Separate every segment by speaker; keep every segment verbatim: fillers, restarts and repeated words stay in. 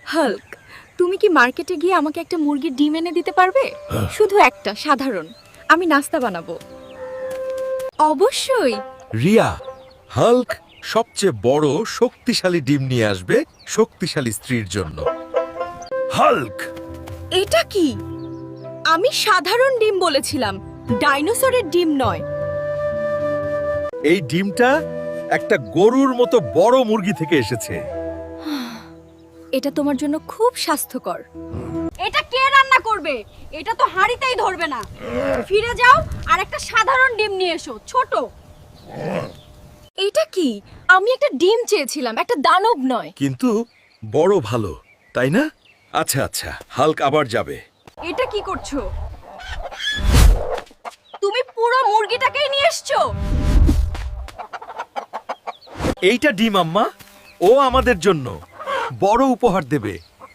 Speaker 1: Hulk, তুমি কি মার্কেটে গিয়ে আমাকে একটা মুরগির ডিম এনে দিতে পারবে? শুধু একটা, সাধারণ। আমি নাস্তা বানাবো। অবশ্যই।
Speaker 2: রিয়া, হাল্ক সবচেয়ে বড় শক্তিশালী ডিম নিয়ে আসবে শক্তিশালী স্ত্রীর জন্য। হাল্ক,
Speaker 1: এটা কি? আমি সাধারণ ডিম বলেছিলাম, ডাইনোসরের ডিম নয়।
Speaker 2: এই ডিমটা একটা গরুর মতো বড় মুরগি থেকে এসেছে।
Speaker 1: এটা তোমার জন্য খুব স্বাস্থ্যকর।
Speaker 3: এটা কে রান্না করবে? এটা তো হাঁড়িতেই ধরবে না। ফিরে যাও আর একটা সাধারণ ডিম নিয়ে এসো, ছোট।
Speaker 1: এটা কি? আমি একটা ডিম চেয়েছিলাম, একটা দানব নয়।
Speaker 2: কিন্তু বড় ভালো, তাই না? আচ্ছা আচ্ছা, হাল্ক আবার যাবে।
Speaker 3: এটা কি করছো? তুমি পুরো মুরগিটাকেই নিয়ে এসছো।
Speaker 2: এইটা ডিম আম্মা, ও আমাদের জন্য বড় উপহার দেবে।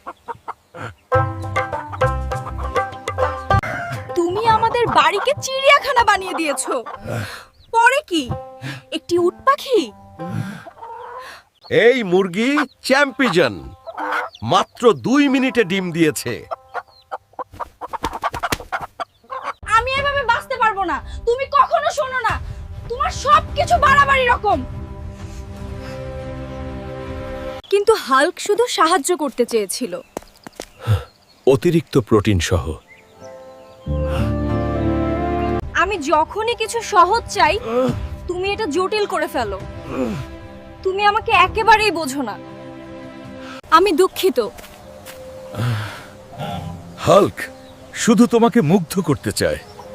Speaker 1: তুমি আমাদের বাড়িকে চিড়িয়াখানা বানিয়ে দিয়েছো। পরে কি? একটি উট পাখি?
Speaker 2: এই মুরগি চ্যাম্পিয়ন, মাত্র দুই মিনিটে ডিম দিয়েছে।
Speaker 3: আমি এভাবে বাঁচতে পারবো না। তুমি কখনো শোনো না। তোমার সবকিছু বাড়াবাড়ি রকম।
Speaker 1: কিন্তু হাল্ক শুধু সাহায্য করতে চেয়েছিল।
Speaker 2: অতিরিক্ত প্রোটিন সহ।
Speaker 3: আমি যখনই কিছু সহজ চাই, তুমি এটা জটিল করে ফেলো। তুমি আমাকে একেবারেই বোঝো না।
Speaker 1: আমি দুঃখিত।
Speaker 2: হাল্ক শুধু তোমাকে মুগ্ধ করতে চায়।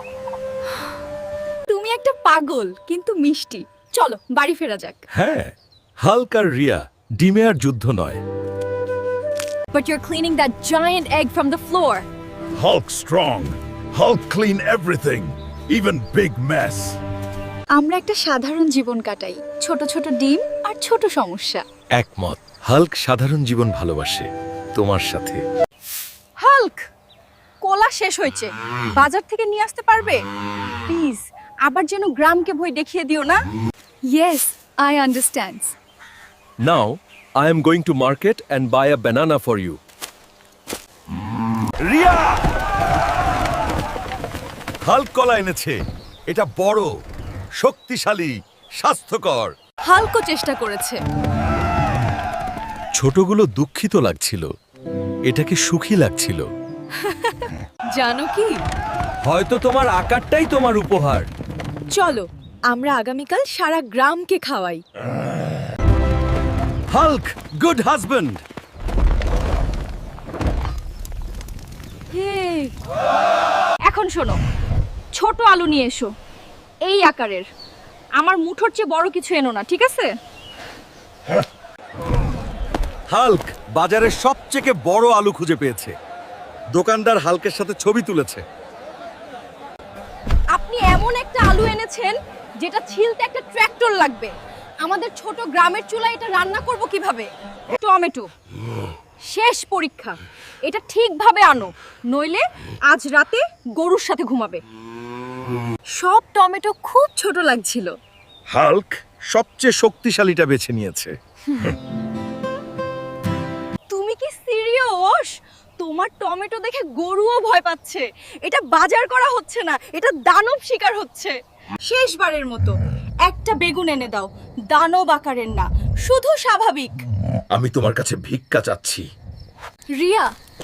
Speaker 1: তুমি একটা পাগল কিন্তু মিষ্টি। চলো বাড়ি ফেরা যাক।
Speaker 2: হ্যাঁ, হাল্ক আর রিয়া ডিমে আর যুদ্ধ নয়।
Speaker 1: But you're cleaning that giant egg from the floor.
Speaker 4: Hulk strong. Hulk clean everything, even big mess.
Speaker 1: আমরা একটা সাধারণ জীবন কাটাই, ছোট ছোট ডিম আর ছোট সমস্যা।
Speaker 2: একমত, হাল্ক সাধারণ জীবন ভালোবাসে তোমার সাথে।
Speaker 3: হাল্ক, কোলা শেষ হয়েছে। বাজার থেকে নিয়ে আসতে পারবে? প্লিজ, আবার যেন গ্রামকে ভয় দেখিয়ে দিও না।
Speaker 1: Yes, I understand.
Speaker 2: Now I am going to market and buy a banana for you. Riya, Hulk কলা এনেছে। এটা বড়, শক্তিশালী, স্বাস্থ্যকর।
Speaker 1: হাল্কও চেষ্টা করেছে।
Speaker 2: ছোটগুলো দুঃখিত লাগছিল, এটাকে সুখী লাগছিল।
Speaker 1: জানো কি?
Speaker 2: হয়তো তোমার আকারটাই তোমার উপহার।
Speaker 1: চলো আমরা আগামীকাল সারা গ্রামকে খাওয়াই।
Speaker 2: Hulk, good husband.
Speaker 3: এখন শোনো, ছোট আলু নিয়ে এসো, এই আকারের। আমার মুঠোর চেয়ে বড় কিছু এনো না, ঠিক আছে?
Speaker 2: হাল্ক বাজারের সবচেয়ে বড় আলু খুঁজে পেয়েছে। দোকানদার হাল্কের সাথে ছবি তুলেছে।
Speaker 3: আপনি এমন একটা আলু এনেছেন যেটা ছিলতে একটা ট্র্যাক্টর লাগবে। আমাদের ছোট গ্রামের চুলায় এটা রান্না করব কিভাবে? টমেটো, শেষ পরীক্ষা। এটা ঠিকভাবে আনো, নইলে আজ রাতে গরুর সাথে ঘুমাবে।
Speaker 1: সব টমেটো খুব ছোট লাগছিল।
Speaker 2: হাল্ক সবচেয়ে শক্তিশালীটা বেছে নিয়েছে।
Speaker 3: তুমি কি সিরিয়াস? তোমার টমেটো দেখে গরুও ভয় পাচ্ছে। এটা বাজার করা হচ্ছে না, এটা দানব শিকার হচ্ছে। শেষবারের মতো একটা বেগুন এনে দাও, দানব আকারের না, শুধু স্বাভাবিক।
Speaker 2: আমি তোমার কাছে ভিক্ষা চাচ্ছি।
Speaker 1: রিয়া,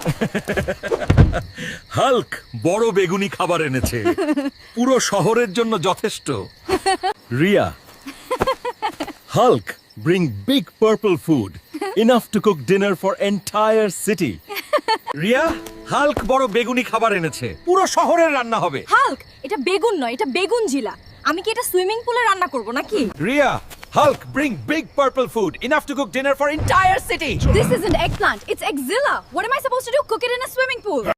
Speaker 2: হাল্ক বড় বেগুনি খাবার এনেছে, পুরো শহরের জন্য যথেষ্ট। Riya, Hulk bring big purple food, enough to cook dinner for entire city. Riya, Hulk বড় বেগুনি খাবার এনেছে, পুরো শহরের রান্না হবে।
Speaker 3: হাল্ক, এটা বেগুন নয়, এটা বেগুন জিলা। আমি কি এটা সুইমিং পুলে রান্না করব নাকি?
Speaker 2: Riya, Hulk bring big purple food, enough to cook dinner for entire city.
Speaker 3: This isn't eggplant, it's Eggzilla. What am I supposed to do? Cook it in a swimming pool?